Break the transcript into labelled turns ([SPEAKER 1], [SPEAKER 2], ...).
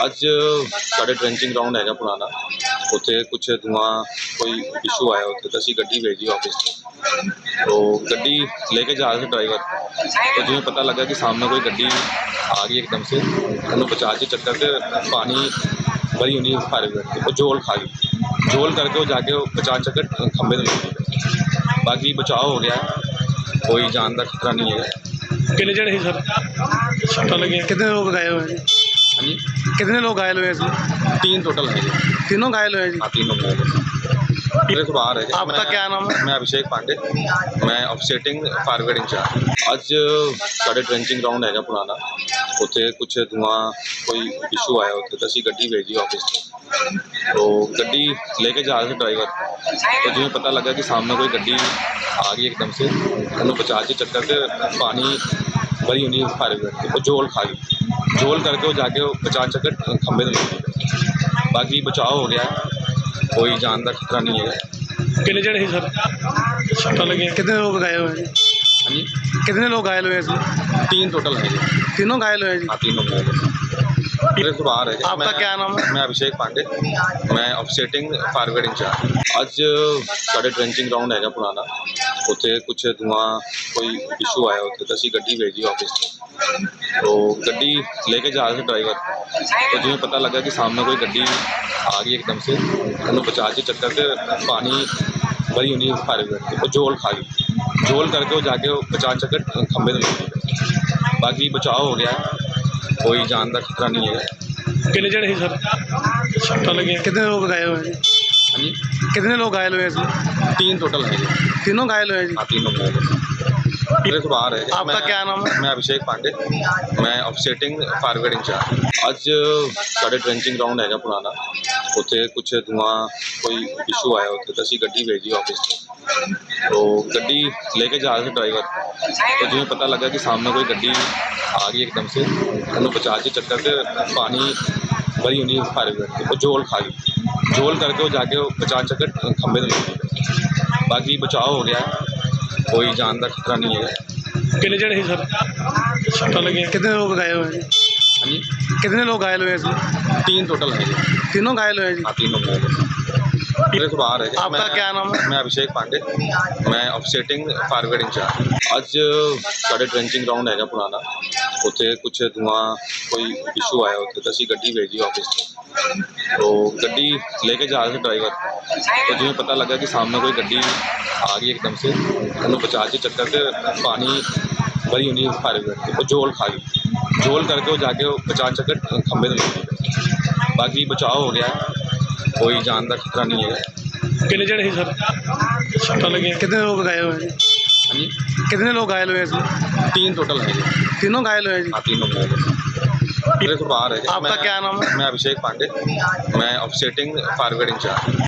[SPEAKER 1] ਅੱਜ ਸਾਡੇ ਟ੍ਰੈਂਚਿੰਗ ਗਰਾਊਂਡ ਹੈਗਾ ਪੁਰਾਣਾ। ਉੱਥੇ ਕੁਛ ਧੂਆਂ ਕੋਈ ਇਸ਼ੂ ਆਇਆ ਉੱਥੇ ਤਾਂ ਅਸੀਂ ਗੱਡੀ ਭੇਜੀ ऑफिस ਤੋਂ। तो ਗੱਡੀ लेके जा रहे थे ड्राइवर, तो जिਵੇਂ पता लगा कि सामने कोई ਗੱਡੀ आ गई एकदम से, उन्होंने बचा के चक्कर से पानी भरी हुई फायर ब्रिगेड तो झोल खा गई। झोल करके वो जाके बचा चक्कर खंबे में लग गई। बाकी बचाव हो गया, कोई जान का खतरा नहीं है।
[SPEAKER 2] कितने जने सर सट्टा लगे? कितने लोग घायल हुए हैं?
[SPEAKER 1] हाँ जी,
[SPEAKER 2] कितने लोग घायल हुए हैं इसमें?
[SPEAKER 1] 3 टोटल है जी।
[SPEAKER 2] तीनों घायल हुए हैं जी।
[SPEAKER 1] हाँ, तीनों मेरे को बाहर है।
[SPEAKER 2] आपका क्या नाम है?
[SPEAKER 1] मैं अभिषेक पांडे, मैं ऑफसेटिंग फायर ब्रिगेड इंचार्ज। ਅੱਜ ਸਾਡੇ ਟ੍ਰੈਂਚਿੰਗ ਗਰਾਊਂਡ ਹੈਗਾ ਪੁਰਾਣਾ। ਉੱਥੇ ਕੁਛ ਧੂਆਂ ਕੋਈ ਇਸ਼ੂ ਆਇਆ ਉੱਥੇ ਤਾਂ ਅਸੀਂ ਗੱਡੀ ਭੇਜੀ ऑफिस ਤੋਂ। तो ਗੱਡੀ लेके जा रहे थे ड्राइवर, तो जिਵੇਂ पता लगा कि सामने कोई ਗੱਡੀ आ गई एकदम से, उन्होंने बचा के चक्कर से पानी भरी हुई फायर ब्रिगेड तो झोल खा गई। झोल करके वो जाके बचा चक्कर खंबे में लग गई। बाकी बचाव हो गया, कोई जान का खतरा नहीं है।
[SPEAKER 2] कितने जने सर सट्टा लगे? कितने लोग घायल हुए हैं?
[SPEAKER 1] हाँ जी,
[SPEAKER 2] कितने लोग घायल हुए हैं इसमें?
[SPEAKER 1] 3 टोटल है जी।
[SPEAKER 2] तीनों घायल हुए हैं जी।
[SPEAKER 1] हाँ, तीनों मेरे को बाहर है।
[SPEAKER 2] आपका क्या नाम है?
[SPEAKER 1] मैं अभिषेक पांडे, मैं ऑफसेटिंग फायर ब्रिगेड इंचार्ज। ਅੱਜ ਸਾਡੇ ਟ੍ਰੈਂਚਿੰਗ ਗਰਾਊਂਡ ਹੈਗਾ ਪੁਰਾਣਾ। ਉੱਥੇ ਕੁਛ ਧੂਆਂ ਕੋਈ ਇਸ਼ੂ ਆਇਆ ਉੱਥੇ ਤਾਂ ਅਸੀਂ ਗੱਡੀ ਭੇਜੀ ऑफिस ਤੋਂ। तो ਗੱਡੀ लेके जा रहे थे ड्राइवर, तो जिਵੇਂ पता लगा कि सामने कोई ਗੱਡੀ आ गई एकदम से, उन्होंने बचा के चक्कर से पानी भरी हुई फायर ब्रिगेड तो झोल खा गई। झोल करके वो जाके बचा चक्कर खंबे में लग गई। बाकी बचाव हो गया, कोई जान का खतरा नहीं है।
[SPEAKER 2] कितने जने सर सट्टा लगे? कितने लोग घायल हुए हैं?
[SPEAKER 1] हाँ जी,
[SPEAKER 2] कितने लोग घायल हुए हैं इसमें?
[SPEAKER 1] 3 टोटल है जी।
[SPEAKER 2] तीनों घायल हुए हैं जी।
[SPEAKER 1] हाँ, तीनों मेरे को बाहर है।
[SPEAKER 2] आपका क्या नाम है?
[SPEAKER 1] मैं अभिषेक पांडे, मैं ऑफसेटिंग फायर ब्रिगेड इंचार्ज। ਅੱਜ ਸਾਡੇ ਟ੍ਰੈਂਚਿੰਗ ਗਰਾਊਂਡ ਹੈਗਾ ਪੁਰਾਣਾ। ਉੱਥੇ ਕੁਛ ਧੂਆਂ ਕੋਈ ਇਸ਼ੂ ਆਇਆ ਉੱਥੇ ਤਾਂ ਅਸੀਂ ਗੱਡੀ ਭੇਜੀ ऑफिस ਤੋਂ। तो ਗੱਡੀ लेके जा रहे थे ड्राइवर, तो जिਵੇਂ पता लगा कि सामने कोई ਗੱਡੀ आ गई एकदम से, उन्होंने बचा के चक्कर से पानी भरी हुई फायर ब्रिगेड तो झोल खा गई। झोल करके वो जाके बचा चक्कर खंबे में लग गई। बाकी बचाव हो गया, कोई जान का खतरा नहीं है।
[SPEAKER 2] कितने जने सर सट्टा लगे? कितने लोग घायल हुए हैं?
[SPEAKER 1] हाँ जी,
[SPEAKER 2] कितने लोग घायल हुए हैं इसमें?
[SPEAKER 1] 3 टोटल है जी।
[SPEAKER 2] तीनों घायल हुए हैं जी।
[SPEAKER 1] हाँ, तीनों मेरे को बाहर है।
[SPEAKER 2] आपका क्या नाम है?
[SPEAKER 1] मैं अभिषेक पांडे, मैं ऑफसेटिंग फायर ब्रिगेड इंचार्ज। ਅੱਜ ਸਾਡੇ ਟ੍ਰੈਂਚਿੰਗ ਗਰਾਊਂਡ ਹੈਗਾ ਪੁਰਾਣਾ। ਉੱਥੇ ਕੁਛ ਧੂਆਂ ਕੋਈ ਇਸ਼ੂ ਆਇਆ ਉੱਥੇ ਤਾਂ ਅਸੀਂ ਗੱਡੀ ਭੇਜੀ ऑफिस ਤੋਂ। तो ਗੱਡੀ लेके जा रहे थे ड्राइवर, तो जिਵੇਂ पता लगा कि सामने कोई ਗੱਡੀ आ गई एकदम से, उन्होंने बचा के चक्कर से पानी भरी हुई फायर ब्रिगेड तो झोल खा गई। झोल करके वो जाके बचा चक्कर खंबे में लग गई। बाकी बचाव हो गया, कोई जान का खतरा नहीं है।
[SPEAKER 2] कितने जने सर सट्टा लगे? कितने लोग घायल हुए हैं?
[SPEAKER 1] हाँ जी,
[SPEAKER 2] कितने लोग घायल हुए हैं इसमें?
[SPEAKER 1] 3 टोटल है जी।
[SPEAKER 2] तीनों घायल हुए हैं जी।
[SPEAKER 1] हाँ, तीनों मेरे को बाहर है।
[SPEAKER 2] आपका क्या नाम है?
[SPEAKER 1] मैं अभिषेक पांडे, मैं ऑफसेटिंग फायर ब्रिगेड इंचार्ज।